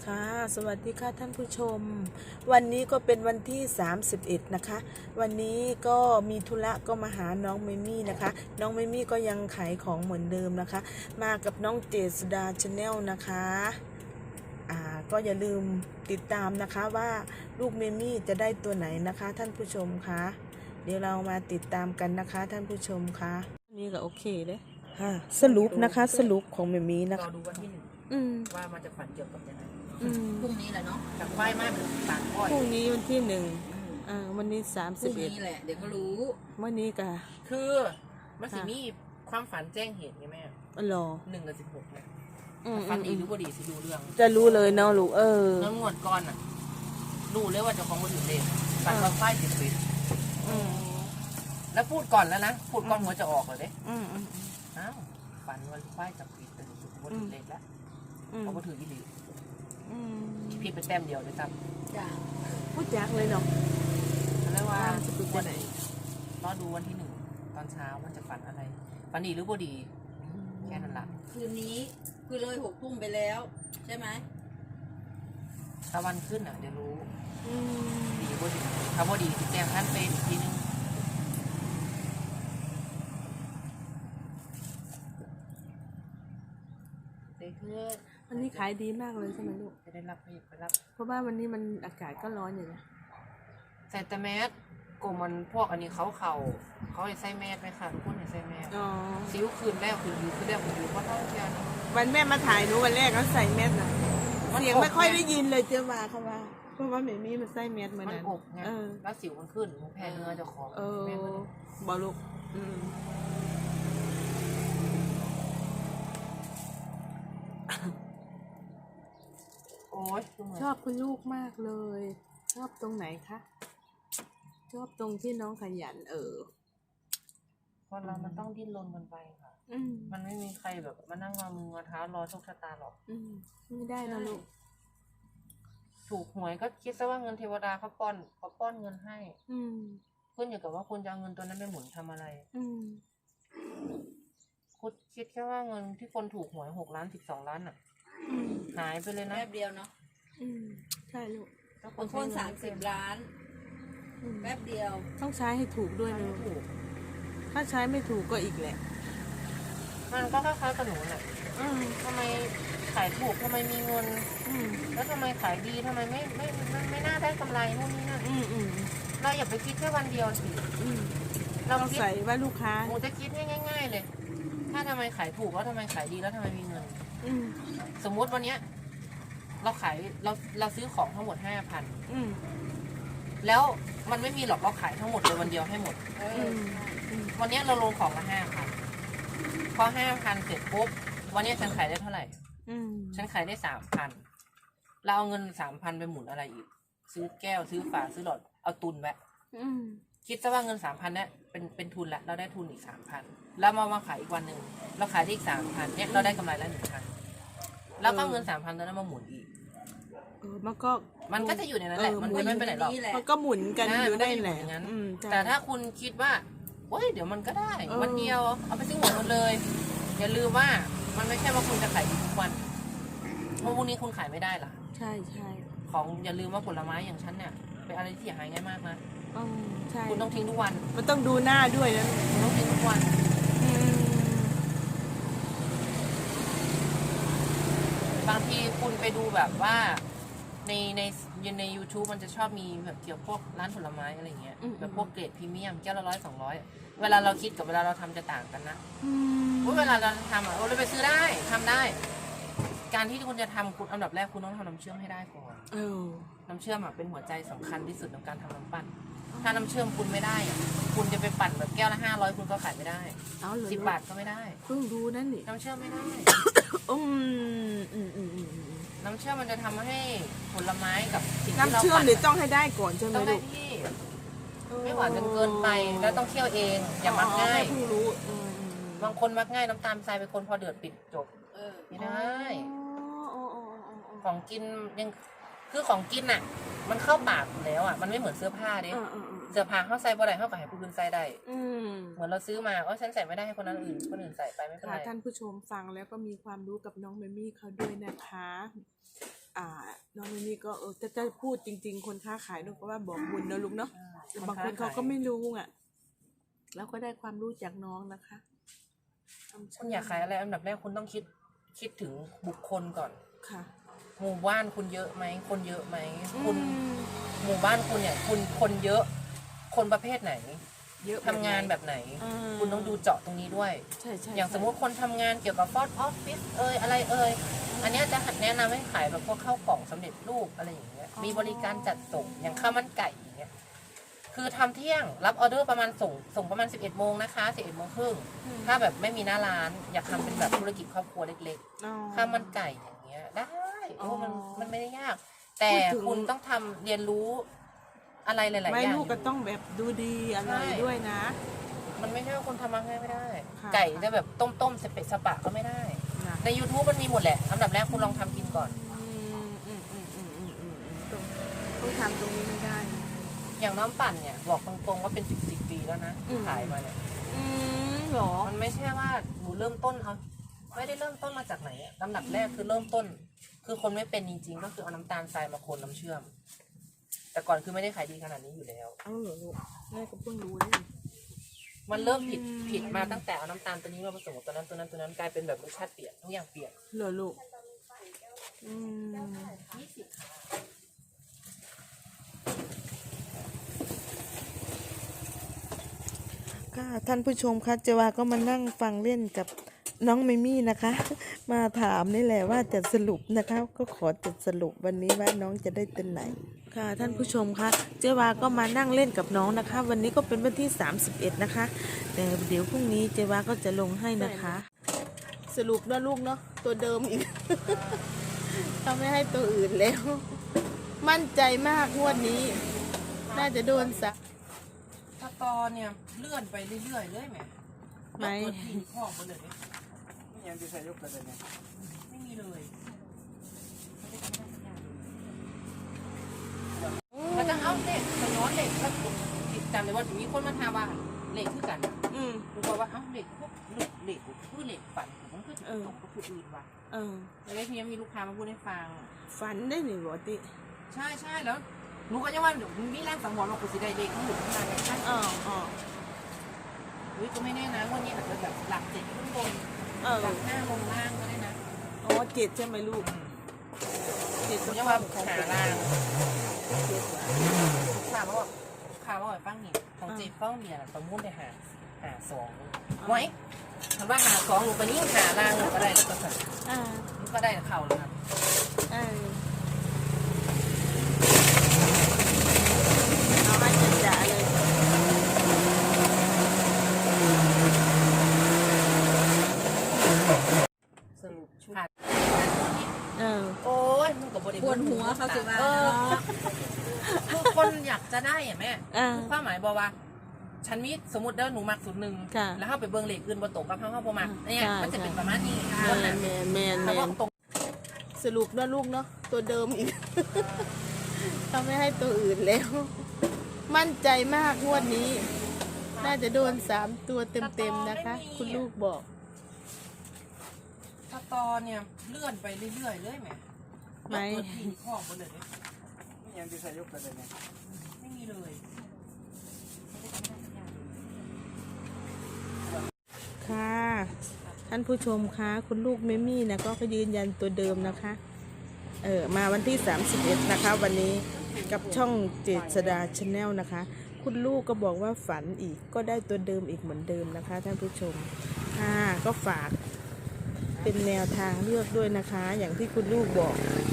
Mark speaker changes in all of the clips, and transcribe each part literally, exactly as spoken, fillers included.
Speaker 1: ค่ะสวัสดีค่ะท่านผู้ชมวันนี้ก็เป็นวันที่สามสิบเอ็ดนะคะวันนี้ก็มีธุระก็มาหาน้องเมมี่นะคะน้องเมมี่ก็ยังขายของเหมือนเดิมนะคะมากับน้องเจษดาชาแนลนะคะอ่าก็อย่าลืมติดตามนะคะว่าลูกเมมี่จะได้ตัวไหนนะคะท่านผู้ชมคะเดี๋ยวเรามาติดตามกันนะคะท่านผู้ชมคะนี่ก็โอเคเลยค่ะสรุปนะคะสรุปของเมมี่นะ
Speaker 2: รอ
Speaker 1: คะ
Speaker 2: ดูวันที่หนึ่ง
Speaker 1: อืม
Speaker 2: ว่ามันจะฝันเกี่ยวกับยังไง
Speaker 1: อืม
Speaker 3: พรุ่งนี้แหละเนาะ
Speaker 2: จากไฟไหม้เป็นต่างก้อย
Speaker 1: พรุ่งนี้วันที่หนึ่ง
Speaker 3: อืม
Speaker 1: อ่าวันนี้สาม
Speaker 3: พ
Speaker 1: สิบ
Speaker 3: รุ่ง
Speaker 1: เอ็ด
Speaker 3: นี้แหละเดี๋ยวก็รู้
Speaker 1: วันนี้กะ
Speaker 2: คือมันสิมีความฝันแจ้งเหตุไงแม่
Speaker 1: อ๋อเหรอ
Speaker 2: หนึ่งกับสิบหกเนี่ย
Speaker 1: อืม
Speaker 2: ฝัน
Speaker 1: อื
Speaker 2: ดี
Speaker 1: ม
Speaker 2: หรือบ่ดีสิดูเรื่อง
Speaker 1: จะรู้เลยเนาะลูกเออ
Speaker 2: เงินงวดก่อนอ่ะรู้เลยว่าเจะของมือถือเลขฝันว่าไฟติดปิด
Speaker 1: อืม
Speaker 2: แล้วพูดก่อนแล้วนะพูดก่อนหัวจะออกเลยเด้
Speaker 1: อืมอืม
Speaker 2: อ้าวฝันว่าไฟจะปิดแต่สุดมือถือเลขแล้ว
Speaker 1: อืม
Speaker 2: เขาก็ถือยี่หลี
Speaker 1: อืม
Speaker 2: พี่ไปแต้มเดียวเลยจ้ะ
Speaker 3: จ้ะ
Speaker 1: พูดจักเลยเนาะ
Speaker 2: เขาเรียกว่า
Speaker 1: ว่าจะปิดวันไหน
Speaker 2: รอดูวันที่หนึ่งตอนเช้ามันจะฝันอะไรฝันดีหรือบ่ดีแค่นั้นละ
Speaker 3: คืนนี้คือเลยหกทุ่มไปแล้ว ใช่ไหม
Speaker 2: ถ้าวันขึ้นอ่ะเดี๋ยวรู้
Speaker 1: อืม
Speaker 2: ดีบ่ดีถ้าบ่ดีสิแจ้งท่านเป็นอีกทีนึงเด็กเพื่อน
Speaker 1: วันนี้ขายดีมากเลยใช่ไหมลูก
Speaker 2: จะได้รับไปไปรับ
Speaker 1: เพราะว่าวันนี้มันอากาศก็ร้อนอยู่นะ
Speaker 2: ใส่แต่แมสกลุ่มมันพวกอันนี้เขาเข่าเขาให้ใส่แมสไหมคะทุกคนให้ใส่แมส
Speaker 1: อ๋อ
Speaker 2: ซิ้วคืนแล้วคืนอยู่คืนแล้วคืนอยู่เพราะเท่าเทียน
Speaker 1: วันแม่มาถ่ายหนูวันแรกเขาใส่แมสนะ
Speaker 2: มัน
Speaker 1: เสียง
Speaker 2: อบ
Speaker 1: ไม่ค่อย
Speaker 2: ไง
Speaker 1: ได้ยินเลยเจ้าว่าเขาว่าเพราะว่าเมมี่มันใส่แมสเหมือน
Speaker 2: มัน
Speaker 1: นั้น
Speaker 2: อบไง
Speaker 1: เออ
Speaker 2: แล้วสิวมันขึ้นมันแพ้เนื้อเจ้าของ
Speaker 1: เออ
Speaker 2: แม่ก็เลย
Speaker 1: บอลูกอืม
Speaker 2: โอ๊ยคือเหมือน
Speaker 1: ชอบคุณลูกมากเลย ชอบตรงไหนคะ ชอบตรงที่น้องขยันเออ
Speaker 2: คนเรามันต้องดิ้นรนกันไปค่ะ
Speaker 1: อืม
Speaker 2: มันไม่มีใครแบบมานั่งงอมืองอเท้ารอโชคชะตาหรอก
Speaker 1: อืมไม่ได้นะลูก
Speaker 2: ถูกหวยก็คิดซะว่าเงินเทวดาเขาป้อนเขาป้อนเงินให้
Speaker 1: อืม
Speaker 2: ขึ้นอยู่กับว่าคุณจะเอาเงินตัวนั้นไปหมุนทำอะไร
Speaker 1: อืม
Speaker 2: คุณคิดแค่ว่าเงินที่คนถูกหวยหกล้านสิบสองล้านอ่ะ
Speaker 1: อืม
Speaker 2: หายไปเลยนะ
Speaker 3: แป๊บเดียวเนาะ
Speaker 1: อืมใช่ลูก
Speaker 2: ถ้า
Speaker 3: บางคนสามสิบล้าน
Speaker 1: อืม
Speaker 3: แป๊บเดียว
Speaker 1: ต้องใช้ให้ถูกด้วย
Speaker 2: ไม่
Speaker 1: นะลูก
Speaker 2: ถูก
Speaker 1: ถ้าใช้ไม่ถูกก็อีกแหละ
Speaker 2: มันก็คล้ายๆกับหนูแหละ
Speaker 1: อืม
Speaker 2: ทำไมขายถูกทำไมมีเงิน
Speaker 1: อืม
Speaker 2: แล้วทำไมขายดีทำไมไม่ไม่ไม่ไม่น่าได้กำไรนู่นนี่นั่น
Speaker 1: อืมอืม
Speaker 2: เราอย่าไปคิดแค่วันเดียวสิ
Speaker 1: อืม
Speaker 2: เรา
Speaker 1: ต้อง
Speaker 2: คิด
Speaker 1: ใส่ว่าลูกค้า
Speaker 2: หนูจะคิดง่ายๆเลย ถ้าทำไมขายถูกแล้วทำไมขายดีแล้วทำไมมีเงิน
Speaker 1: อืม
Speaker 2: สมมุติวันเนี้ยเราขายเราเราซื้อของทั้งหมดห้าพัน
Speaker 1: อืม
Speaker 2: แล้วมันไม่มีหรอกเราขายทั้งหมดเลยวันเดียวให้หมด
Speaker 3: เอ
Speaker 1: อื
Speaker 3: อ
Speaker 1: มอืม
Speaker 2: วันเนี้ยเราลงของมาห้าพันพอห้าพันเสร็จปุ๊บวันเนี้ยฉันขายได้เท่าไหร่
Speaker 1: อืม
Speaker 2: ฉันขายได้สามพันเราเอาเงินสามพันไปหมุนอะไรอีก ซื้อแก้วซื้อฝาซื้อหลอดเอาตุนไว้
Speaker 1: อืม
Speaker 2: คิดซะว่าเงินสามพันเนี่ยเป็นเป็นทุนละเราได้ทุนอีกสามพันแล้วมามาขายอีกวันหนึ่งเราขายได้อีกสามพันเนี่ยเราได้กำไรละหนึ่งพันแล้วก็เงินสามพันตัวนั้นมาหมุนอีก
Speaker 1: เออมันก็
Speaker 2: มันก็จะอยู่ในนั้นแหละ
Speaker 1: เออ
Speaker 2: มันจะไม่ไปไหนหรอก
Speaker 3: นี่แหละ
Speaker 1: มันก็หมุนกัน
Speaker 2: อ่า
Speaker 1: อยู่ได้
Speaker 2: มันก็อยู่
Speaker 1: แหละ
Speaker 2: อย่างนั้น
Speaker 1: อืมใช่
Speaker 2: แต่ถ้าคุณคิดว่าเฮ้ยเดี๋ยวมันก็ได้
Speaker 1: เออ
Speaker 2: วันเดียวเอาไปซื้อหวยหมดเลยอย่าลืมว่ามันไม่ใช่ว่าคุณจะขายดีทุกวันเพราะพรุ่งนี้คุณขายไม่ได้ล่ะ
Speaker 1: ใช่ใช่
Speaker 2: ของอย่าลืมว่าผลไม้อย่างฉันเนี่ยเป็นอะไรที่เสียหายง่ายมากนะ
Speaker 1: อืมใช่
Speaker 2: คุณต้องทิ้งทุกวัน
Speaker 1: มันต้องดูหน้าด้วยนะ
Speaker 2: คุณต้องทิ้งทุกวัน
Speaker 1: อืม
Speaker 2: บางทีคุณไปดูแบบว่าในในใน YouTube มันจะชอบมีแบบเกี่ยวพวกร้านผลไม้อะไรเงี้ยแบบพวกเกรดพรีเมียมแก้วละร้อยสองร้อยเวลาเราคิดกับเวลาเราทำจะต่างกันนะ
Speaker 1: อืม
Speaker 2: ว่าเวลาเราทำอ่ะเราไปซื้อได้ทำได้ การที่คุณจะทำคุณอันดับแรกคุณต้องทำน้ำเชื่อมให้ได้ก่อน
Speaker 1: เออ
Speaker 2: น้ำเชื่อมอ่ะเป็นหัวใจสำคัญที่สุดในการทำน้ำปั่นถ้าน้ำเชื่อมคุณไม่ได้อ่ะคุณจะไปปั่นแบบแก้วละห้าร้อยคุณก็ขายไม่ได้
Speaker 1: เอาเลย
Speaker 2: สิบบาทก็ไม่ได้
Speaker 1: เพิ่งดูนั่นนี่
Speaker 2: น้ำเชื่อมไม่ได้
Speaker 1: อืมอืมอืมอืมอืม
Speaker 2: น้ำเชื่อมมันจะทำให้ผลไม้กับสิ่งที่
Speaker 1: น้ำ
Speaker 2: เรา
Speaker 1: เชื่อม
Speaker 2: ปั่น
Speaker 1: หรือต้องให้ได้ก่อนใช่ไหม
Speaker 2: ต้องได้
Speaker 1: ลูก
Speaker 2: ที่ไม่หวานจนเกินไปแล้วต้องเคี่ยวเองอย่ามักง่าย
Speaker 1: อ๋อแม่เพิ่งรู้อืมอืมอืม
Speaker 2: บางคนมักง่ายน้ำตาลทรายเป็นคนพอเดือดปิดจบ
Speaker 3: เออ
Speaker 2: ไม่ได้
Speaker 1: อ๋ออ๋ออ๋ออ๋ออ๋อ
Speaker 2: ของกินยังคือของกินอ่ะ มันเข้าปากอยู่แล้วอ่ะมันไม่เหมือนเสื้อผ้าเด้
Speaker 1: อ่าอ่าอ่า
Speaker 2: เสื้อผ้าเขาใส่บ่ได้เขาก็ให้ผู้อื่นใส่ได้
Speaker 1: อืม
Speaker 2: เหมือนเราซื้อมาอ๋อฉันใส่ไม่ได้ให้คนนั้นอื่นคนอื่นใส่ไปไม่เป็น
Speaker 1: ค่ะ
Speaker 2: ไร
Speaker 1: ท่านผู้ชมฟังแล้วก็มีความรู้กับน้องเมมี่เขาด้วยนะคะ อ่าน้องมินี่ก็เออจะจะพูดจริง ๆ คนค้าขายลูกก็ว่าบอกบุญนะลูกเนาะแต่บางคนเขาก็ไม่รู้อ่ะแล้วก็ได้ความรู้จากน้องนะคะ
Speaker 2: คุณอยากขายอะไรอันดับแรกคุณต้องคิดคิดถึงบุคคลก่อน
Speaker 1: ค่ะ
Speaker 2: หมู่บ้านคุณเยอะไหมคนเยอะไหม
Speaker 1: คุ
Speaker 2: คุณ ณหมู่บ้านคุณเนี่ย คุณคนเยอะคนประเภทไหน
Speaker 1: เยอะ
Speaker 2: ทำงานแบบไหน
Speaker 1: อ่า
Speaker 2: คุณต้องดูเจาะตรงนี้ด้วย
Speaker 1: ใช่ใช่
Speaker 2: อย่างสมมุติคนทำงานเกี่ยวกับฟอสออฟฟิศเอยอะไรเอยอันเนี้ยจะแนะนำให้ขายแบบพวกข้าวกล่องสำเร็จรูปอะไรอย่างเงี้ยมีบริการจัดส่งอย่างข้าวมันไก่อย่างเงี้ยคือทำเที่ยงรับออเดอร์ประมาณส่งส่งประมาณสิบเอ็ดโมงนะคะสิบเอ็ดโมงครึ่งถ้าแบบไม่มีหน้าร้านอยากทำเป็นแบบธุรกิจครอบครัวเล็ก
Speaker 1: อ๋อ
Speaker 2: ๆข้าวมันไก่อย่างเงี้ยได้โอ้มัน
Speaker 1: อ๋อ
Speaker 2: มันไม่ได้ยาก แต่
Speaker 1: พูดถึง
Speaker 2: คุณต้องทำเรียนรู้อะไรหลายๆอย่าง
Speaker 1: ไม่ลูก
Speaker 2: อ
Speaker 1: ก็
Speaker 2: ยู่
Speaker 1: ต้องแบบดูดีอร่อย
Speaker 2: ใช่
Speaker 1: ด้วยนะ
Speaker 2: มันไม่ใช่ว่าคุณทำมาง่ายไม่ได้
Speaker 1: ค่ะ
Speaker 2: ไก่จะแบบต้มต้มๆสเปะสปะก็ไม่ได้
Speaker 1: นะ
Speaker 2: ใน YouTube มันมีหมดแหละอันดับแรกคุณลองทำกินก่อน
Speaker 1: อืมอืมอืมอืมอืมอืมอืมต้องต้องทำตรงนี้ไม่ได้
Speaker 2: อย่างน้ำปั่นเนี่ยบอกตรงๆว่าเป็นสิบสิบปีแล้วนะ
Speaker 1: อืม
Speaker 2: ขายมาเนี่ย
Speaker 1: อืมเหรอ
Speaker 2: มันไม่ใช่ว่าหนูเริ่มต้นเอาไม่ได้เริ่มต้นมาจากไหนอะลำดับแรกคือเริ่มต้น คือคนไม่เป็นจริงๆ ก็คือเอาน้ำตาลทรายมาคนน้ำเชื่อม แต่ก่อนคือไม่ได้ขายดีขนาดนี้อยู่แล้ว
Speaker 1: เอาเหรอลูกแม่ก็เพิ่งรู้เลย
Speaker 2: มันเริ่มผิด
Speaker 1: อืม
Speaker 2: ผิดมาตั้งแต่เอาน้ำตาลตัวนี้มาผสมกับตัวนั้นตัวนั้นตัวนั้นกลายเป็นแบบรสชาติเปลี่ยนทุกอย่างเปลี่ยน
Speaker 1: เหรอลูกอืม
Speaker 2: ยี่สิบ
Speaker 1: ค่ะท่านผู้ชมคะเจวาก็มานั่งฟังเล่นกับน้องเมมี่นะคะ มาถามนี่แหละว่าจะสรุปนะคะ ก็ขอจะสรุปวันนี้ว่าน้องจะได้ตัวไหนค่ะท่านผู้ชมคะเจวาก็มานั่งเล่นกับน้องนะคะ วันนี้ก็เป็นวันที่สามสิบเอ็ดนะคะแต่เดี๋ยวพรุ่งนี้เจวาก็จะลงให้นะคะ สรุปนะลูกเนาะตัวเดิมอีก เขาไม่ให้ตัวอื่นแล้ว มั่นใจมากงวดนี้ น่าจะโดนสัก
Speaker 2: ถ้าตอเนี่ยเลื่อนไปเรื่อยๆเลยแหม
Speaker 1: ไหม
Speaker 2: ตัวที่ข้อมาเลย
Speaker 4: ไม่ยังจะใส่ยกประเด็นเนี่ย
Speaker 2: ไม่มีเลยมันจะเอาเด็กไปย้อนเด็กแล้วจำเลยว่ามีคนมาถามว่าเหล็กคือกัน
Speaker 1: อืม
Speaker 2: ผมบอกว่าเอ้าเหล็กพวกเหล็กเหล็กคือเหล็กฝันมันคือ
Speaker 1: เออ
Speaker 2: ตกกับผู้อื่นว่ะ
Speaker 1: เออ
Speaker 2: แล้วทีนี้มีลูกค้ามาพูดให้ฟัง
Speaker 1: ฝันได้หนิบอติ
Speaker 2: ใช่ใช่แล้วหนูก็ยังว่าเดี๋ยวมีแรงสังหรณ์ว่ากูสิได้เด็กทั้งหมดทั้งนั้นไงใช่
Speaker 1: อ๋ออ๋อ
Speaker 2: เฮ้ยก็ไม่แน่นะวันนี้อาจจะแบบหลักเจ็ดขึ้นบน
Speaker 1: เออ
Speaker 2: หลักห้าลงล่างก็ได้นะ
Speaker 1: อ๋อเจ็ดใช่ไหมลูกเจ็ด
Speaker 2: ผม
Speaker 1: ก็
Speaker 2: จะ
Speaker 1: ว่า
Speaker 2: ว่า
Speaker 1: ของ
Speaker 2: หา
Speaker 1: เจ็ด
Speaker 2: ล่าง
Speaker 1: เจ็ดว่ะ
Speaker 2: ข่าวว่าข่าวว่าฟังนี่ของเจ็ดฟ้องเมียประมุ่นได้หาหาสองไว้คำว่าหาสองลงไปนี่หาล่างก็ได้แล้วก็สั่น
Speaker 1: อ่า
Speaker 2: ก็ได้เข่าเลยครับ
Speaker 1: อ่าเอาให้จัดจ่าเลย
Speaker 2: สรุปขาด
Speaker 1: เออ
Speaker 2: โอ้ยมึงกับบริ
Speaker 3: ปวดหัวเขาสิว่า
Speaker 2: เออคือคนอยากจะได้อ่ะแม่
Speaker 1: อ่า
Speaker 2: ความหมายบอกว่า ฉันมีสมมติเด้อหนูมักสุดหนึ่ง
Speaker 1: ค่ะ
Speaker 2: แล้วเข้าไปเบิ้งเหล็กอื่นบนตกกับเข้าเข้าประมาณเนี่ย
Speaker 1: ใช่
Speaker 2: มันจะเป็นประมาณนี้
Speaker 1: แม
Speaker 2: คน
Speaker 1: น
Speaker 2: น่ะ
Speaker 1: แมนแมนแม
Speaker 2: ถ้าว่าน ตรง
Speaker 1: สรุปนะลูกเนาะตัวเดิมอีก เขาไม่ให้ตัวอื่นแล้ว มั่นใจมากงวดนี้ น่าจะโดนสามตัวเต็มๆนะคะ คุณลูกบอก
Speaker 2: ถ้าตอเนี่ยเลื่อนไปเรื่อยๆเลยแหม
Speaker 1: ไหม
Speaker 2: ตัวที่ข้อมาเลย
Speaker 4: ไม่ยังจะใส่ยกประเด็นเนี่ย
Speaker 2: ไม่มีเลย
Speaker 1: ค่ะ ท่านผู้ชมคะคุณลูกเมมี่นะก็ยืนยันตัวเดิมนะคะ เออมาวันที่สามสิบเอ็ดนะคะ วันนี้กับช่องเจษดาชาแนลนะคะ คุณลูกก็บอกว่าฝันอีกก็ได้ตัวเดิมอีกเหมือนเดิมนะคะ ท่านผู้ชมค่ะก็ฝากเป็นแนวทางเลือกด้วยนะคะ อย่างที่คุณลูกบอก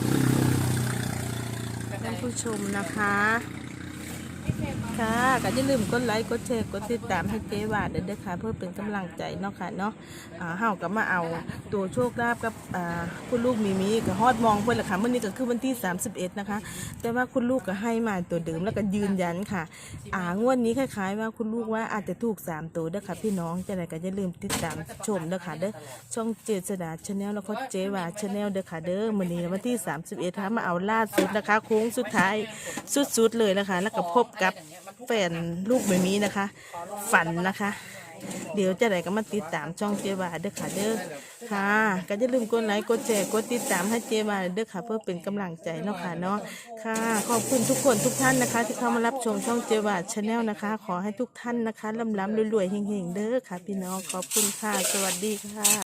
Speaker 1: ท่านผู้ชมนะคะ ค่ะก็อย่าลืมกดไลค์กดแชร์กดติดตามให้เจ๊วาดเด้อค่ะเพื่อเป็นกำลังใจเนาะค่ะเนาะอ่าเฮาก็มาเอาตัวโชคลาภกับอ่าคุณลูกมีมีก็ฮอดมองเพิ่นล่ะค่ะมื้อนี้ก็คือวันที่สามสิบเอ็ดนะคะ แต่ว่าคุณลูกก็ให้มาตัวเดิมแล้วก็ยืนยันค่ะอ่างวดนี้คล้ายๆว่าคุณลูกว่าอาจจะถูกสามตัวเด้อค่ะพี่น้องจังไดก็อย่าลืมติดตามชมเด้อค่ะเด้อช่องเจษดาชาแนลแล้วก็เจ๊วาดชาแนลเด้อค่ะเด้อมื้อนี้วันที่สามสิบเอ็ดค่ะมาเอาล่าสุดนะคะโค้งสุดท้ายสุดๆเลยนะคะแล้วก็พบกับแฟนลูกแบบนี้นะคะ ฝันนะคะ เดี๋ยวจะไหนก็มาติดตามช่องเจวาเด้อค่ะเด้อค่ะก็อย่าลืมกดไลค์กดแชร์กดติดตามให้เจวาเด้อค่ะเพื่อเป็นกำลังใจเนาะค่ะเนาะค่ะขอบคุณทุกคนทุกท่านนะคะ ที่เข้ามารับชมช่องเจวาชาแนลนะคะ ขอให้ทุกท่านนะคะร่ำๆรวยๆเฮงๆเด้อค่ะพี่น้องขอบคุณค่ะสวัสดีค่ะ